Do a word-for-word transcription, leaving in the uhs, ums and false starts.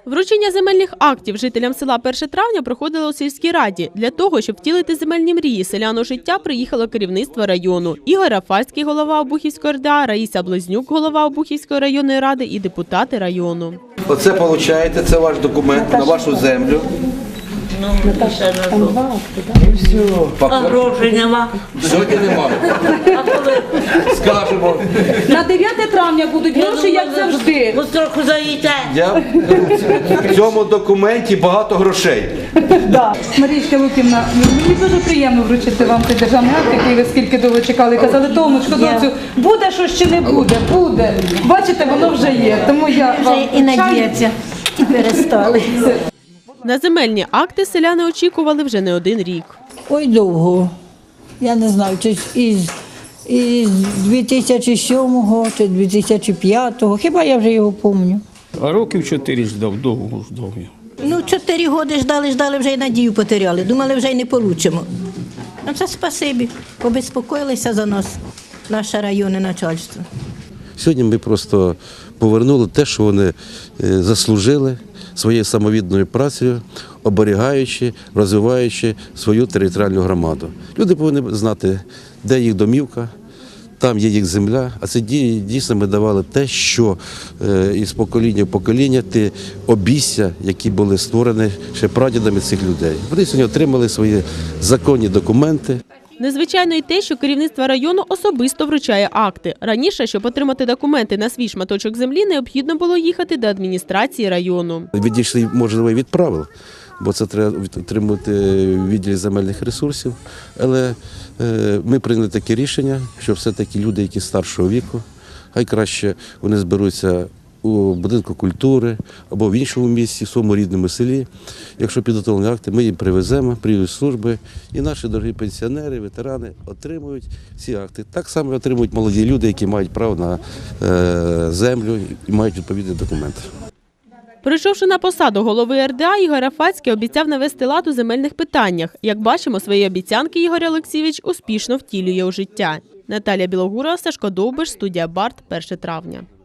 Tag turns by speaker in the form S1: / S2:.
S1: Вручення земельних актів жителям села перше травня проходило у сільській раді. Для того, щоб втілити земельні мрії селян у життя, приїхало керівництво району. Ігор Рафальський, голова Обухівської РДА, Раїса Близнюк, голова Обухівської районної ради і депутати району.
S2: Оце получаєте, це ваш документ на вашу землю.
S3: Ну, ще не було.
S2: Пока.
S3: А грошей нема.
S2: Сьогодні немає.
S3: А коли?
S2: Скажемо.
S4: На дев'яте травня будуть гроші, як завжди.
S3: Ви трохи заїте.
S2: Я в цьому документі багато грошей.
S4: Да. Марічка Луківна, мені дуже приємно вручити вам цей державний акт, який ви скільки довго чекали. Казали, Томочко, доцю, буде що чи не буде? Буде. Бачите, воно вже є. Тому я вам
S5: Вже і надіється, і перестали.
S1: На земельні акти селяни очікували вже не один рік.
S6: Ой, довго. Я не знаю, чи із, із дві тисячі сьомого чи дві тисячі п'ятого, хіба я вже його пам'ятаю.
S7: А років чотири ждав, довго ждав я.
S5: Ну, чотири роки ждали, ждали, вже й надію потеряли. Думали, вже й не получимо. Ну, це спасибі. Побезпокоїлися за нас, наше районне начальство.
S8: Сьогодні ми просто повернули те, що вони заслужили своєю самовідданою працею, оберігаючи, розвиваючи свою територіальну громаду. Люди повинні знати, де їх домівка, там є їх земля, а це дійсно ми давали те, що із покоління в покоління, ті обійстя, які були створені ще прадідами цих людей. Вони сьогодні отримали свої законні документи.
S1: Незвичайно й те, що керівництво району особисто вручає акти. Раніше, щоб отримати документи на свій шматочок землі, необхідно було їхати до адміністрації району.
S8: Відійшли, можливо, від правил, бо це треба отримати в відділі земельних ресурсів. Але ми прийняли таке рішення, що все-таки люди, які старшого віку, хай краще вони зберуться у будинку культури або в іншому місці, в своєму рідному селі. Якщо підготовлені акти, ми їм привеземо, приїдуть служби, і наші дорогі пенсіонери, ветерани отримують ці акти. Так само отримують молоді люди, які мають право на е, землю і мають відповідні документи.
S1: Прийшовши на посаду голови РДА, Ігор Рафальський обіцяв навести лад у земельних питаннях. Як бачимо, свої обіцянки Ігор Олексійович успішно втілює у життя. Наталія Білогурова, Сашко Довбиш, студія Барт, перше травня.